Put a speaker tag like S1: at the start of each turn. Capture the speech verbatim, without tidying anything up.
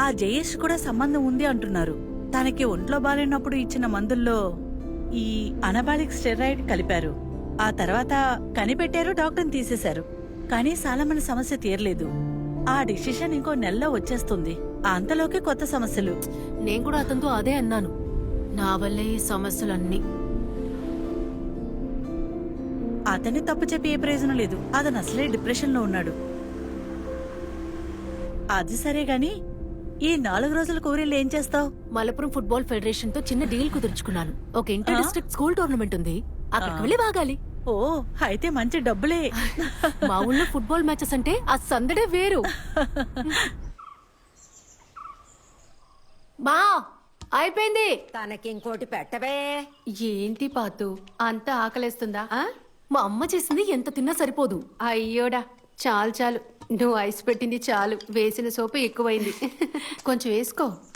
S1: ఆ జయేష్ కూడా సంబంధం ఉంది అంటున్నారు. తనకి ఒంట్లో బాలేనప్పుడు ఇచ్చిన మందుల్లో ఈ అనబాలిక్ స్టెరాయిడ్ కలిపారు. ఆ తర్వాత కనిపెట్టారు, డాక్టర్ని తీసేశారు. కానీ సాలమన్ సమస్య తీరలేదు. ఆ డిసిషన్ ఇంకో నెలలో వచ్చేస్తుంది. అంతలోకి కొత్త సమస్యలు.
S2: నేను కూడా అతనితో అదే అన్నాను, నా వల్లే ఈ సమస్యలన్నీ.
S1: అతన్ని తప్పు చెప్పి ఏ ప్రయోజనం లేదు. అతను అసలే డిప్రెషన్ లో ఉన్నాడు. అది సరే గాని ఈ నాలుగు రోజుల కూరీలు ఏం చేస్తావు?
S2: మలపురం ఫుట్బాల్ ఫెడరేషన్ తో చిన్న డీల్ కుదుర్చుకున్నాను. ఒక ఇంటర్ డిస్ట్రిక్ట్ స్కూల్ టోర్నమెంట్ ఉంది, అక్కడికి వెళ్ళి వాగాలి.
S1: ఓ, అయితే మంచి డబ్బులే.
S2: మా ఊళ్ళో ఫుట్బాల్ మ్యాచెస్ అంటే ఆ సందడే వేరు. మా అయిపోయింది.
S3: తనకి ఇంకోటి పెట్టవే.
S2: ఏంటి పాతు అంత ఆకలేస్తుందా? మా అమ్మ చేసింది ఎంత తిన్నా సరిపోదు. అయ్యోడా, చాలు చాలు, నువ్వు ఐస్ పెట్టింది చాలు, వేసిన సోపు ఎక్కువైంది. కొంచెం వేసుకో.